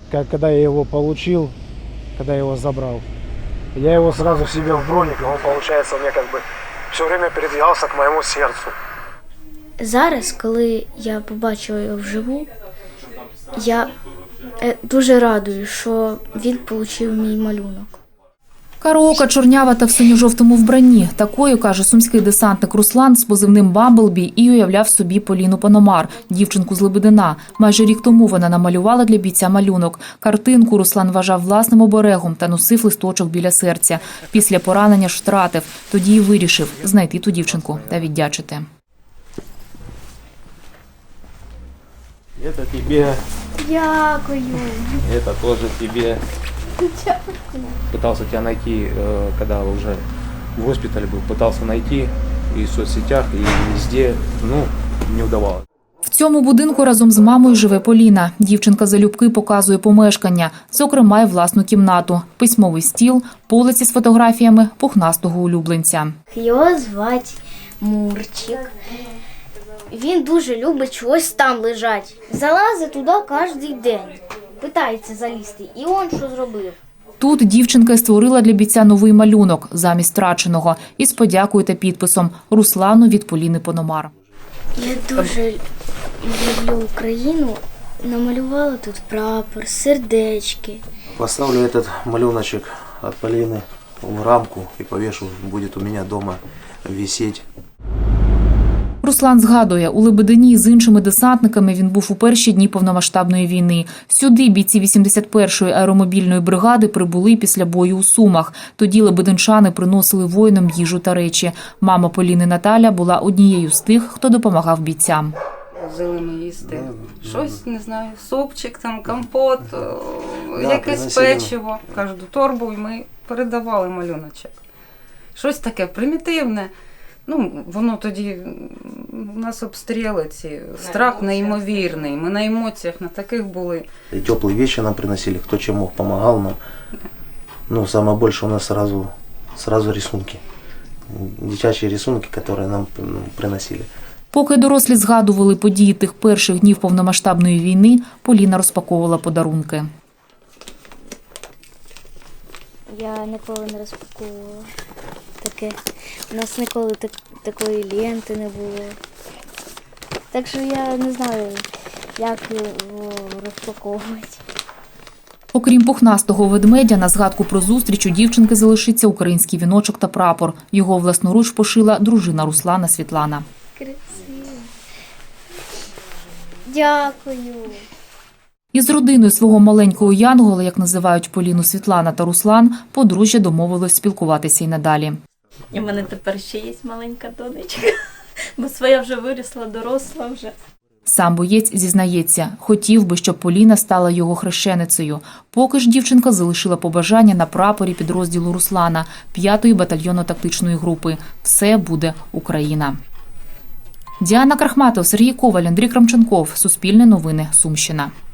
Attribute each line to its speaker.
Speaker 1: Когда я его получил, когда я его забрал, я его сразу себе в броник, и он, получается, у меня как бы все время передвигался к моему сердцу.
Speaker 2: Зараз, коли я побачила його вживу, я дуже радую, що він отримав мій малюнок.
Speaker 3: Караока чорнява та в синьо-жовтому вбранні. Такою, каже сумський десантник Руслан з позивним «Бамблбі» і уявляв собі Поліну Пономар, дівчинку з Лебедина. Майже рік тому вона намалювала для бійця малюнок. Картинку Руслан вважав власним оберегом та носив листочок біля серця. Після поранення ж втратив. Тоді й вирішив знайти ту дівчинку та віддячити.
Speaker 4: Это тебе,
Speaker 2: Дякую.
Speaker 4: это тоже тебе. Пытался тебя найти, когда уже в госпитале был, пытался найти и в соцсетях, и везде, не удавалось.
Speaker 3: В цьому будинку разом з мамою живе Поліна. Дівчинка залюбки показує помешкання, зокрема й власну кімнату, письмовий стіл, полиці з фотографіями пухнастого улюбленця.
Speaker 2: Його звати Мурчик. Він дуже любить чогось там лежать. Залазить туди кожен день. Питається залізти. І він що зробив?
Speaker 3: Тут дівчинка й створила для бійця новий малюнок замість втраченого із подякою та підписом «Руслану від Поліни Пономар».
Speaker 2: Я дуже люблю Україну. Намалювала тут прапор, сердечки.
Speaker 5: Поставлю этот малюночек от Полины в рамку и повешу, будет у меня дома висеть.
Speaker 3: Руслан згадує, у Лебедині з іншими десантниками він був у перші дні повномасштабної війни. Сюди бійці 81-ї аеромобільної бригади прибули після бою у Сумах. Тоді лебединчани приносили воїнам їжу та речі. Мама Поліни Наталя була однією з тих, хто допомагав бійцям.
Speaker 6: Взяли ми їсти щось, не знаю, супчик, там, компот, якесь печиво. Кожну торбу і ми передавали малюночок. Щось таке примітивне. Воно тоді, у нас обстріли ці, страх неймовірний, ми на емоціях на таких були.
Speaker 5: И теплые вещи нам приносили, кто чем мог, помогал нам. Самое больше у нас сразу рисунки, дитячие рисунки, которые нам приносили.
Speaker 3: Поки дорослі згадували події тих перших днів повномасштабної війни, Поліна розпаковувала подарунки.
Speaker 2: Я ніколи не розпаковувала таке. У нас ніколи такої ленти не було. Так що я не знаю, як його розпаковувати.
Speaker 3: Окрім пухнастого ведмедя, на згадку про зустріч у дівчинки залишиться український віночок та прапор. Його власноруч пошила дружина Руслана Світлана.
Speaker 2: Красиво. Дякую.
Speaker 3: Із родиною свого маленького янгола, як називають Поліну Світлана та Руслан, подружжя домовилось спілкуватися й надалі.
Speaker 7: І в мене тепер ще є маленька донечка, бо своя вже виросла, доросла вже.
Speaker 3: Сам боєць зізнається, хотів би, щоб Поліна стала його хрещеницею. Поки ж дівчинка залишила побажання на прапорі підрозділу Руслана, 5-ї батальйонно-тактичної групи. Все буде Україна. Діана Крахматов, Сергій Коваль, Андрій Крамченков. Суспільне новини. Сумщина.